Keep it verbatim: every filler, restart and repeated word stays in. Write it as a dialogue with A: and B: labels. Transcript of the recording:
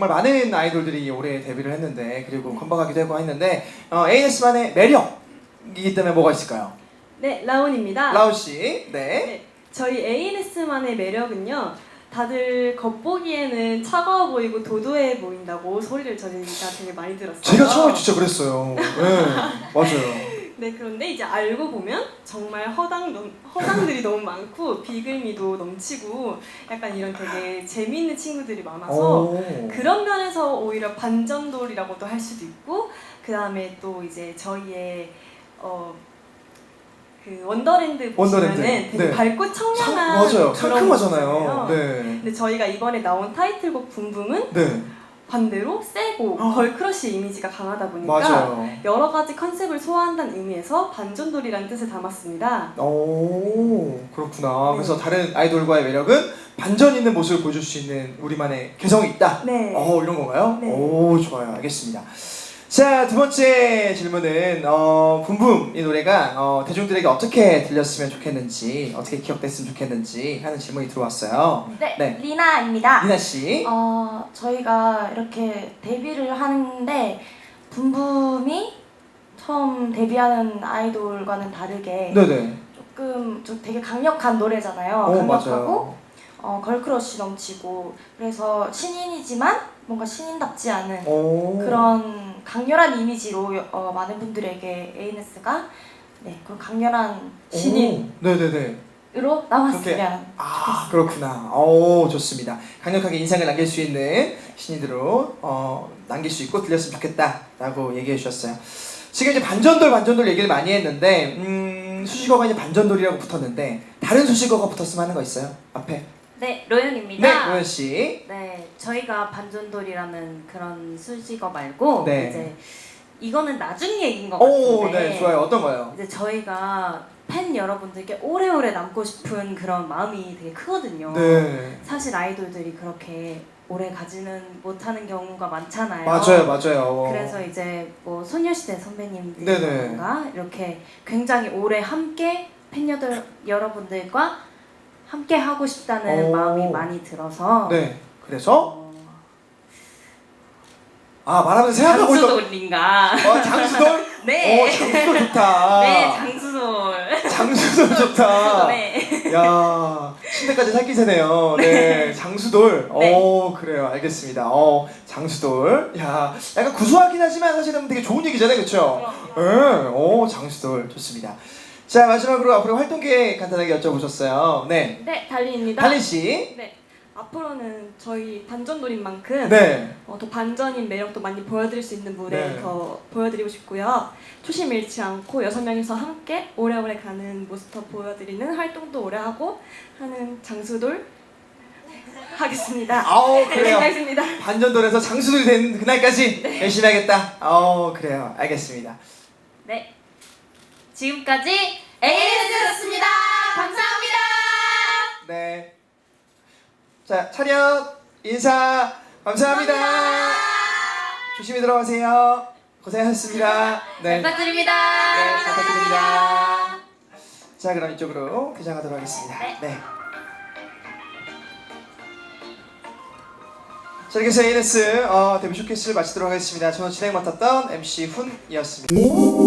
A: 정말 많은 아이돌들이 올해 데뷔를 했는데 그리고 컴백하기도 하고 했는데 어, 에이엔에스만의 매력이기 때문에 뭐가 있을까요?
B: 네, 라온입니다.
A: 라온 씨, 네.
B: 네, 저희 에이엔에스만의 매력은요. 다들 겉보기에는 차가워 보이고 도도해 보인다고 소리를 저희가 되게 많이 들었어요.
A: 제가 처음에 진짜 그랬어요. 네, 맞아요.
B: 네, 그런데 이제 알고 보면 정말 허당 넘, 허당들이 너무 많고 비글미도 넘치고 약간 이런 되게 재미있는 친구들이 많아서
A: 오.
B: 그런 면에서 오히려 반전돌이라고도 할 수도 있고 그 다음에 또 이제 저희의 어, 그 원더랜드 보시면은
A: 원더랜드.
B: 되게
A: 네.
B: 밝고
A: 상,
B: 청량한
A: 맞아요.
B: 그런
A: 상큼하잖아요.
B: 곡이잖아요.
A: 네.
B: 근데 저희가 이번에 나온 타이틀곡 붐붐은
A: 네.
B: 반대로 세고
A: 어.
B: 걸크러쉬 이미지가 강하다 보니까
A: 맞아요.
B: 여러 가지 컨셉을 소화한다는 의미에서 반전돌이라는 뜻을 담았습니다.
A: 오, 그렇구나.
B: 네.
A: 그래서 다른 아이돌과의 매력은 반전 있는 모습을 보여줄 수 있는 우리만의 개성이 있다.
B: 네.
A: 어, 이런 건가요?
B: 네.
A: 오, 좋아요. 알겠습니다. 자, 두 번째 질문은 어, 붐붐 이 노래가 어, 대중들에게 어떻게 들렸으면 좋겠는지, 어떻게 기억됐으면 좋겠는지 하는 질문이 들어왔어요.
C: 네,
A: 네.
C: 리나입니다.
A: 리나 씨.
C: 어, 저희가 이렇게 데뷔를 하는데 붐붐이 처음 데뷔하는 아이돌과는 다르게
A: 네네.
C: 조금 좀 되게 강력한 노래잖아요.
A: 오,
C: 강력하고
A: 맞아요.
C: 어, 걸크러쉬 넘치고 그래서 신인이지만 뭔가 신인답지 않은
A: 오.
C: 그런 강렬한 이미지로 어, 많은 분들에게 에이엔에스가 네, 그런 강렬한 신인으로
A: 오. 네네네.
C: 남았으면
A: 아, 그렇구나. 오, 좋습니다. 강력하게 인상을 남길 수 있는 신인으로 어, 남길 수 있고 들렸으면 좋겠다라고 얘기해 주셨어요. 지금 이제 반전돌 반전돌 얘기를 많이 했는데 음, 수식어가 이제 반전돌이라고 붙었는데 다른 수식어가 붙었으면 하는 거 있어요? 앞에.
D: 네, 로연입니다.
A: 네, 로연 씨.
D: 네, 저희가 반전돌이라는 그런 수식어 말고
A: 네.
D: 이제 이거는 나중 얘기인 것
A: 오,
D: 같은데
A: 네, 좋아요. 어떤 거요?
D: 이제 저희가 팬 여러분들께 오래오래 남고 싶은 그런 마음이 되게 크거든요.
A: 네.
D: 사실 아이돌들이 그렇게 오래 가지는 못하는 경우가 많잖아요.
A: 맞아요, 맞아요.
D: 그래서 이제 뭐 소녀시대
A: 네네.
D: 선배님들이라던가 이렇게 굉장히 오래 함께 팬 여들, 여러분들과 함께 하고 싶다는
A: 오.
D: 마음이 많이 들어서
A: 네. 그래서
D: 어,
A: 아, 말하면서 생각하고 있던
D: 장수돌인가?
A: 어, 장수돌?
D: 네.
A: 오, 장수돌 좋다.
D: 네, 장수돌.
A: 장수돌 좋다.
D: 네.
A: 야, 침대까지 살기세네요. 네, 장수돌.
D: 네.
A: 오, 그래요. 알겠습니다. 어, 장수돌. 야, 약간 구수하긴 하지만 사실은 되게 좋은 얘기잖아요, 그렇죠? 네, 오, 장수돌 좋습니다. 자, 마지막으로 앞으로 활동 계획 간단하게 여쭤보셨어요. 네,
B: 네, 달리입니다.
A: 달린 씨.
B: 네, 앞으로는 저희 반전돌인 만큼
A: 네,
B: 어, 더 반전인 매력도 많이 보여드릴 수 있는 무대
A: 네.
B: 더 보여드리고 싶고요. 초심 잃지 않고 여섯 명이서 함께 오래오래 가는 모습 더 보여드리는 활동도 오래 하고 하는 장수돌 하겠습니다.
A: 아우, 그래요.
B: 알겠습니다.
A: 반전돌에서 장수돌이 된 그날까지 열심히 하겠다. 어, 그래요. 알겠습니다.
D: 네. 지금까지 에이엔에스였습니다. 감사합니다.
A: 네. 자, 차렷, 인사, 감사합니다.
D: 감사합니다.
A: 조심히 들어가세요. 고생하셨습니다. 네.
D: 부탁드립니다.
A: 네, 부탁드립니다. 자, 그럼 이쪽으로 개장하도록 하겠습니다.
D: 네.
A: 네. 자, 이렇게 해서 에이엔에스 어, 데뷔 쇼케이스를 마치도록 하겠습니다. 저는 진행 맡았던 엠씨 훈이었습니다.